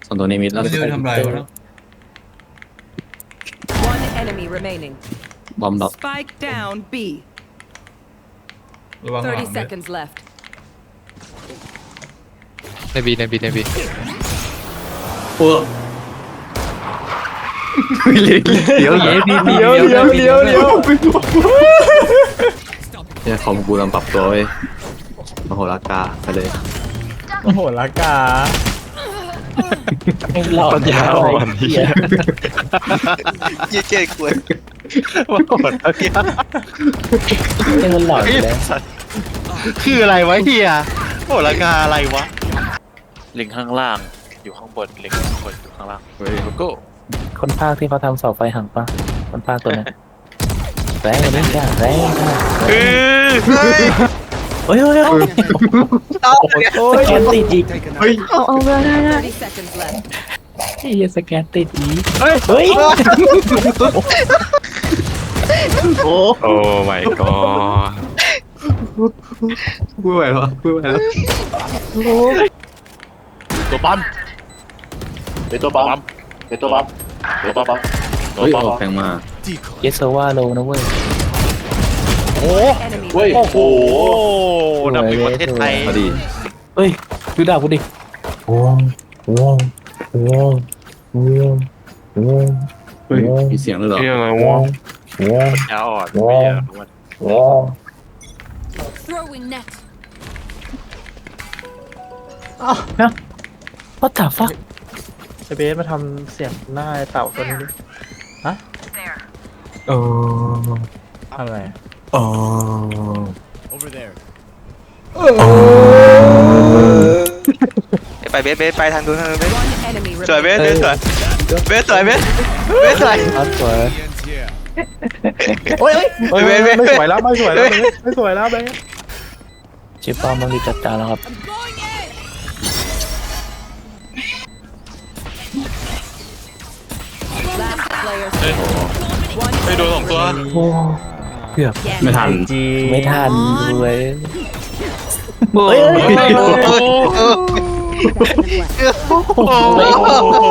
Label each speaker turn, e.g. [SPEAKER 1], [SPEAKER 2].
[SPEAKER 1] ส่วนตัวนี้มิดแล้ว
[SPEAKER 2] ไม่รู้ทำไรวะเนาะ
[SPEAKER 3] One enemy remaining.
[SPEAKER 1] บอมดรอป
[SPEAKER 3] Spike down B.
[SPEAKER 2] ระวังหลัง
[SPEAKER 3] 30
[SPEAKER 2] ด้วย
[SPEAKER 3] seconds left.
[SPEAKER 4] ในบี
[SPEAKER 1] เออเดี๋ยวเนี่ยคอมกูกำลังปรับตัวเว้ยมโหฬารกาไปเลย
[SPEAKER 5] โอ้โหละกา
[SPEAKER 4] ปัญญาอ่อนเหี้ย
[SPEAKER 6] เจ๊กวน
[SPEAKER 4] ว่าโหดเหี้ย
[SPEAKER 5] เป็นมันหลอนเลย
[SPEAKER 4] คืออะไรวะเฮียโหดราคาอะไรวะ
[SPEAKER 7] ลิงข้างล่างอยู่ข้างบนลิงข้างบนอยู่ข้างล่างเฮ้ยโลโก้
[SPEAKER 5] คนภาคที่เขาทำเสาไฟหักปะคนภาคตัวนั้นแรงเลยจ้าแรงค่ะเฮ้ยสแกนติดอีก
[SPEAKER 3] 30 seconds left.
[SPEAKER 5] ไอ้สแกนติดอีกเฮ้ย
[SPEAKER 4] โอ้ my god
[SPEAKER 1] พูดไปแล้วพูดไปแล้ว
[SPEAKER 7] ตัวปั๊มเป็นตัวปั๊มเป็นตัวปั๊มตัวปั๊มตัว
[SPEAKER 1] เฮ้ย
[SPEAKER 7] ปั๊ม
[SPEAKER 1] ออกแพงมา
[SPEAKER 5] เยสว่าโลนะเว้ย
[SPEAKER 3] Enemy
[SPEAKER 7] เฮ้ย
[SPEAKER 4] โอ้โหดับในประเทศไทย
[SPEAKER 1] พอดี
[SPEAKER 5] เฮ้ยดูดาบกูดิวง
[SPEAKER 1] เฮ้ยมีเสียงเลยเหรอ
[SPEAKER 4] เฮียอะไรวะปัญญาอ่อนไม่อยากรู้ว่า
[SPEAKER 3] throwing net.
[SPEAKER 5] ว่าแต่ฟัก
[SPEAKER 8] ไอเบสมาทำเสียงหน้าไอ้เต่าตัวนี้ดิฮะอะไร
[SPEAKER 6] ไปเบสไปทางนู้นเบส
[SPEAKER 3] One enemy
[SPEAKER 6] สวยเบ
[SPEAKER 3] remaining.
[SPEAKER 6] สเบสสวยเบสสวย
[SPEAKER 5] ครับสวย
[SPEAKER 8] โอ้ยไม่สวยแล้วไม่สวยแล้วไม่สวยแล้วเบส
[SPEAKER 5] ชิปปอมต้องรีบจัดการแล้วครับ
[SPEAKER 3] Last player standing. One
[SPEAKER 4] ไปโดนสองตัว
[SPEAKER 5] โอ้เกือบ
[SPEAKER 1] ไม่ทัน
[SPEAKER 8] จี
[SPEAKER 5] ไม่ทันเลย
[SPEAKER 6] โอ้
[SPEAKER 4] โอ้โห